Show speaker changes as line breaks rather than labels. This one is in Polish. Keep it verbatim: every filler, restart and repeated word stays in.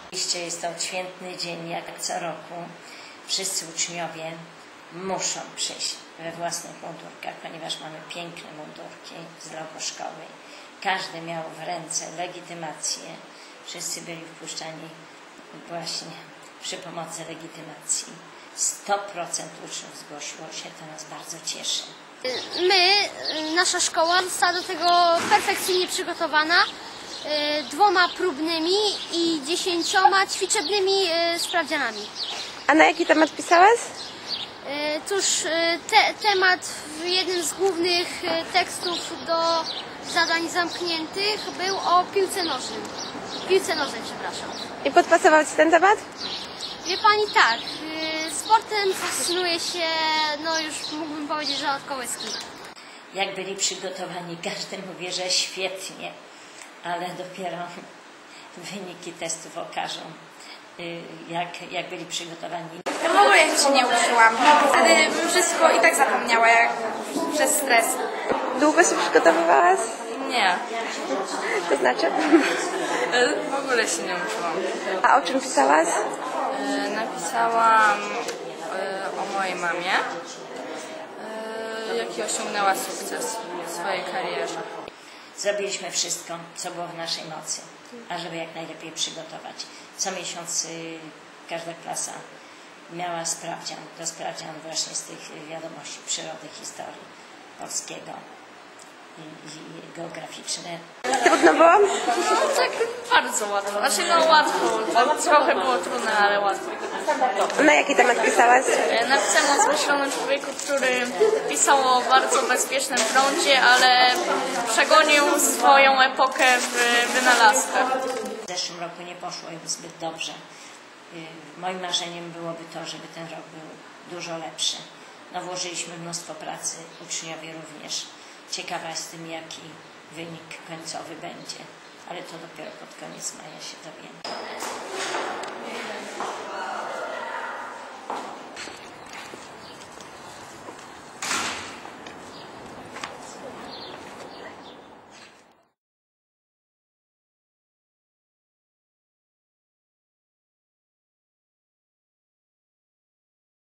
Oczywiście jest to odświętny dzień, jak co roku. Wszyscy uczniowie muszą przyjść we własnych mundurkach, ponieważ mamy piękne mundurki z logo szkoły. Każdy miał w ręce legitymację. Wszyscy byli wpuszczani właśnie przy pomocy legitymacji. sto procent uczniów zgłosiło się, to nas bardzo cieszy.
My, nasza szkoła została do tego perfekcyjnie przygotowana dwoma próbnymi i dziesięcioma ćwiczebnymi sprawdzianami.
A na jaki temat pisałaś?
Cóż, te, temat w jednym z głównych tekstów do zadań zamkniętych był o piłce nożnej. Piłce nożnej, przepraszam.
I podpasował Ci ten temat?
Wie Pani, tak. Sportem fascynuje się, no już mógłbym powiedzieć, że od kołyski.
Jak byli przygotowani, każdy mówi, że świetnie, ale dopiero wyniki testów okażą, jak, jak byli przygotowani.
Ja w ogóle się nie uczyłam. Wtedy bym wszystko i tak zapomniała, jak przez stres.
Długo się przygotowywałaś?
Nie.
To znaczy?
W ogóle się nie uczyłam.
A o czym pisałaś?
Napisałam o mojej mamie, jaki osiągnęła sukces w swojej karierze.
Zrobiliśmy wszystko, co było w naszej mocy, ażeby jak najlepiej przygotować. Co miesiąc y, każda klasa miała sprawdzian, to sprawdzian właśnie z tych wiadomości przyrody, historii polskiego i, i geograficzne.
Trudno było?
No tak bardzo łatwo. Znaczy no łatwo. Trochę było trudne, ale łatwo.
Na jaki temat pisałaś?
Napisałam o zmyślonym człowieku, który pisał o bardzo bezpiecznym prądzie, ale przegonił swoją epokę w wynalazkach.
W zeszłym roku nie poszło im zbyt dobrze. Moim marzeniem byłoby to, żeby ten rok był dużo lepszy. No, włożyliśmy mnóstwo pracy, uczniowie również. Ciekawa jestem, jaki wynik końcowy będzie, ale to dopiero pod koniec maja się dowiemy.